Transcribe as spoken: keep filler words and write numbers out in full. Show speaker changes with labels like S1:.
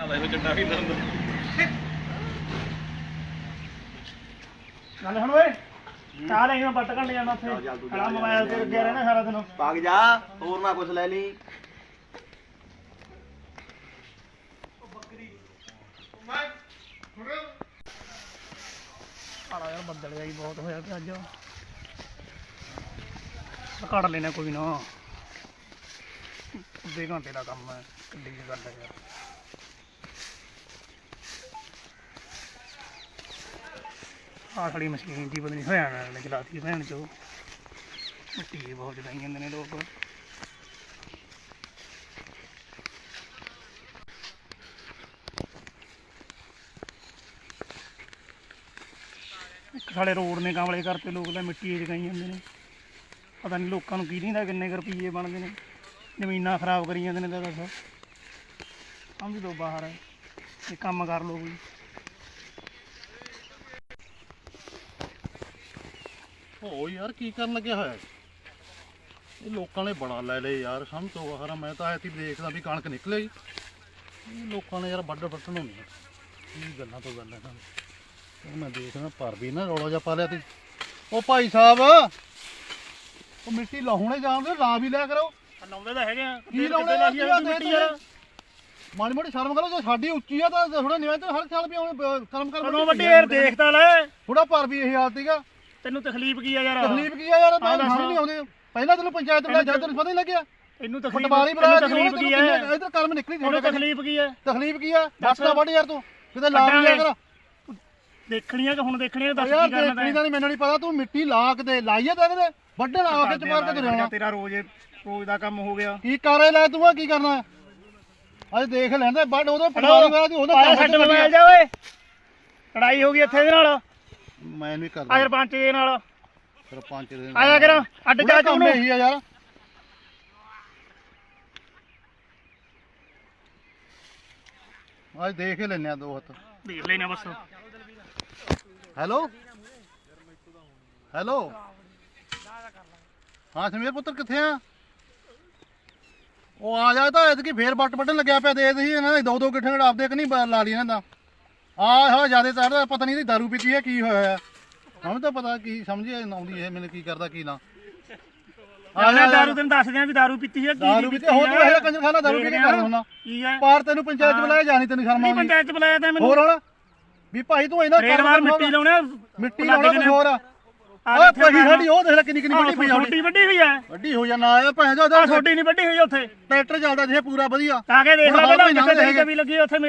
S1: ਚੰਡਾ ਵੀ ਨਾ
S2: ਚੱਲ ਹੁਣ ਓਏ ਚਾਹ ਲੈ ਮੈਂ ਬੱਟ ਘੰਟੇ ਜਾਣਾ ਉੱਥੇ ਖੜਾ ਮੋਬਾਈਲ ਤੇ ਲੱਗਿਆ ਰਹਿਣਾ ਸਾਰਾ ਦਿਨ
S3: ਭਾਗ ਜਾ ਹੋਰ ਨਾ ਕੁਛ ਲੈ ਲਈ
S2: ਆਲਾ ਯਾਰ ਬੱਦਲ ਜਾਈ ਬਹੁਤ ਹੋਇਆ ਤੇ ਅੱਜ ਕੱਢ ਲੈਣਾ ਕੋਈ ਨਾ ਅੱਧੇ ਘੰਟੇ ਦਾ ਕੰਮ ਹੈ ਕਿੱਡੀ ਜਿਹੀ ਗੱਲ ਹੈ ਯਾਰ ਆਹ ਸਾਡੀ ਮਸ਼ੀਨ ਦੀ ਪਤਾ ਨਹੀਂ ਹੋਇਆ ਨਾ ਚਲਾਤੀ ਭੈਣ ਚੋ ਮਿੱਟੀ ਬਹੁਤ ਜਗਾਈ ਜਾਂਦੇ ਨੇ ਲੋਕ ਇੱਕ ਸਾਡੇ ਰੋਡ ਨੇ ਕਾਮਲੇ ਕਰਤੇ ਲੋਕ ਤਾਂ ਮਿੱਟੀ ਜਗਾਈ ਜਾਂਦੇ ਨੇ ਪਤਾ ਨਹੀਂ ਲੋਕਾਂ ਨੂੰ ਕੀ ਨਹੀਂ ਦਾ ਕਿੰਨੇ ਕੁ ਰੁਪਈਏ ਬਣਦੇ ਨੇ ਜ਼ਮੀਨਾਂ ਖਰਾਬ ਕਰੀ ਜਾਂਦੇ ਨੇ ਤਾਂ ਦੱਸ ਸਮਝ ਲਓ ਬਾਹਰ ਹੈ ਇਹ ਕੰਮ ਕਰ ਲਓ ਕੋਈ
S1: ਹੋ ਯਾਰ ਕੀ ਕਰਨ ਲੱਗਿਆ ਹੋਇਆ ਇਹ ਲੋਕਾਂ ਨੇ ਬੜਾ ਲੈ ਲਏ ਯਾਰ ਸਮਝ ਤੋਂ ਬਾਹਰ ਮੈਂ ਤਾਂ ਐਤੀ ਦੇਖਦਾ ਵੀ ਕਣਕ ਨਿਕਲੇਗੀ ਇਹ ਲੋਕਾਂ ਨੇ ਯਾਰ ਵੱਢ ਵੱਢਣ ਹੁੰਦੀ ਕੀ ਗੱਲਾਂ ਤੋਂ ਗੱਲਾਂ ਸਾਨੂੰ ਮੈਂ ਦੇਖਦਾ ਪਰ ਵੀ ਨਾ ਰੌਲਾ ਜਿਹਾ ਪਾ ਲਿਆ ਤੀ ਉਹ ਭਾਈ ਸਾਹਿਬ ਉਹ ਮਿੱਟੀ ਲਾਹੁਣੇ ਜਾਣਦੇ ਲਾ ਵੀ ਲਿਆ ਕਰੋ
S2: ਲਾਉਂਦੇ ਤਾਂ ਹੈਗੇ ਆ
S1: ਕੀ ਲਾਉਣੇ ਮਿੱਟੀ ਯਾਰ ਮਾੜੀ ਮੋਟੀ ਸ਼ਰਮ ਕਰੋ ਜੇ ਸਾਡੀ ਉੱਚੀ ਆ ਤਾਂ ਥੋੜਾ ਨਿਵੇਂ ਤੇ ਹਰ ਸਾਲ ਵੀ ਆਉਣੇ ਕਰਮ ਕਰ
S2: ਕਦੋਂ ਵੱਡੀ ਯਾਰ ਦੇਖਦਾ ਲੈ
S1: ਥੋੜਾ ਪਰ ਵੀ ਇਹ ਹਾਲਤ ਸੀਗਾ
S2: ਤੈਨੂੰ ਤਕਲੀਫ ਕੀ ਆ ਯਾਰ
S1: ਤਕਲੀਫ ਕੀ ਆ ਯਾਰ ਮੈਂ ਸਮਝ ਨਹੀਂ ਆਉਂਦੀ ਪਹਿਲਾਂ ਤੈਨੂੰ ਪੰਚਾਇਤ ਬੁਲਾਇਆ ਜਦ ਤੈਨੂੰ ਪਤਾ ਹੀ ਲੱਗਿਆ
S2: ਤੈਨੂੰ ਤਕਲੀਫ
S1: ਪਟਵਾਰੀ ਬੁਲਾਇਆ
S2: ਤਕਲੀਫ ਕੀ ਹੈ
S1: ਇਧਰ ਕਰਮ ਨਿਕਲੀ
S2: ਤੈਨੂੰ ਤਕਲੀਫ ਕੀ ਹੈ
S1: ਤਕਲੀਫ ਕੀ ਆ ਦੱਸ ਨਾ ਵੱਢ ਯਾਰ ਤੂੰ ਕਿਤੇ ਲਾ ਲਿਆ ਕਰ
S2: ਦੇਖਣੀਆਂ ਕਿ ਹੁਣ ਦੇਖਣੀਆਂ ਦੱਸ
S1: ਯਾਰ
S2: ਕੀ ਕਰਨਾ
S1: ਦੇਖਣੀ ਤਾਂ ਨਹੀਂ ਮੈਨੂੰ ਨਹੀਂ ਪਤਾ ਤੂੰ ਮਿੱਟੀ ਲਾ ਕੇ ਦੇ ਲਾਈਏ ਤੇ ਇਹਦੇ ਵੱਢਣ ਆ ਕੇ ਚਮਾਰ ਕੇ ਤੁਰਿਆ
S2: ਤੇਰਾ ਰੋਜ਼ ਰੋਜ਼ ਦਾ ਕੰਮ ਹੋ ਗਿਆ
S1: ਕੀ ਕਰੇ ਲੈ ਤੂੰ ਆ ਕੀ ਕਰਨਾ ਅੱਜ ਦੇਖ ਲੈਂਦਾ ਵੱਢ ਉਹਦੇ ਪਟਵਾਰੀ ਵਾਲਾ ਦੀ ਉਹਦਾ
S2: ਛੱਡ ਮੋਬਾਈਲ ਜਾ ਓਏ ਲੜਾਈ ਹੋ ਗਈ ਇੱਥੇ ਇਹਦੇ ਨਾਲ
S1: ਮੈਂ ਨਹੀਂ ਕਰਦਾ
S2: ਆ ਸਰਪੰਚ ਦੇ ਨਾਲ
S1: ਸਰਪੰਚ ਦੇ
S2: ਆਇਆ ਕਰ ਅੱਡ ਜਾ ਤੂੰ
S1: ਕੰਮ ਇਹੀ ਆ ਯਾਰ ਅੱਜ ਦੇਖ ਹੀ ਲੈਨੇ ਆ ਦੋ ਹੱਥ
S2: ਦੇਖ ਲੈਨੇ ਬਸ
S1: ਹੈਲੋ ਹੈਲੋ ਹਾਂ ਸਮੀਰ ਪੁੱਤਰ ਕਿੱਥੇ ਆ ਉਹ ਆ ਜਾ ਤਾਂ ਐਤਕੀ ਫੇਰ ਬੱਟ ਵੱਢਣ ਲੱਗਿਆ ਪਿਆ ਦੇ ਸੀ ਇਹਨਾਂ ਦੇ ਦੋ ਦੋ ਗਿੱਠੇ ਆਪਦੇ ਕਿ ਨਹੀਂ ਲਾ ਲਈ ਇਹਨਾਂ ਦਾ ਆ ਹਾਂ ਜਿਆਦਾ ਤਰ ਪਤਾ ਨਹੀਂ ਇਹਦੀ ਦਾਰੂ ਪੀਤੀ ਹੈ ਕੀ ਹੋਇਆ ਹੈ ਹੁਣ ਤਾਂ ਪਤਾ ਕੀ ਸਮਝੀ ਆਉਂਦੀ ਇਹ ਮੈਨੂੰ ਕੀ ਕਰਦਾ ਕੀ ਨਾ
S2: ਆ ਲੈ ਦਾਰੂ ਤੈਨੂੰ ਦੱਸਦੇ ਆ ਵੀ ਦਾਰੂ ਪੀਤੀ ਹੈ ਕੀ
S1: ਦਾਰੂ ਪੀਤੀ ਹੋਰ ਤੂੰ ਇਹ ਕੰਜਰ ਖਾਣਾ ਦਾਰੂ ਪੀ ਕੇ ਕਰ ਹੁੰਦਾ
S2: ਕੀ ਹੈ
S1: ਪਾਰ ਤੈਨੂੰ ਪੰਚਾਇਤ ਬੁਲਾਇਆ ਜਾਣੀ ਤੈਨੂੰ ਸ਼ਰਮ ਆਉਂਦੀ
S2: ਪੰਚਾਇਤ ਬੁਲਾਇਆ ਤਾਂ ਮੈਨੂੰ
S1: ਹੋਰ ਹੁਣ ਵੀ ਭਾਈ ਤੂੰ ਇਹਨਾਂ
S2: ਰੇਡ ਮਾਰ ਮਿੱਟੀ ਲਾਉਣਾ
S1: ਮਿੱਟੀ ਲਾਉਣਾ ਕੁਝ ਹੋਰ ਆ ਆ ਪਹੀ ਸਾਡੀ ਉਹ ਦੇਖ ਲੈ ਕਿੰਨੀ ਕਿੰਨੀ ਵੱਡੀ ਪਈ
S2: ਛੋਟੀ ਵੱਡੀ ਹੋਈ ਹੈ
S1: ਵੱਡੀ ਹੋ ਜਾਣਾ ਆ ਭੈਣ ਜੋ
S2: ਛੋਟੀ ਨਹੀਂ ਵੱਡੀ ਹੋਈ ਉੱਥੇ
S1: ਟਰੈਕਟਰ ਚੱਲਦਾ ਜੇ ਪੂਰਾ ਵਧੀਆ
S2: ਤਾਂ ਕੇ ਦੇਖ ਲੈ ਪਹਿਲਾਂ ਕਿੱਥੇ ਵੀ ਲੱਗੀ ਉੱਥੇ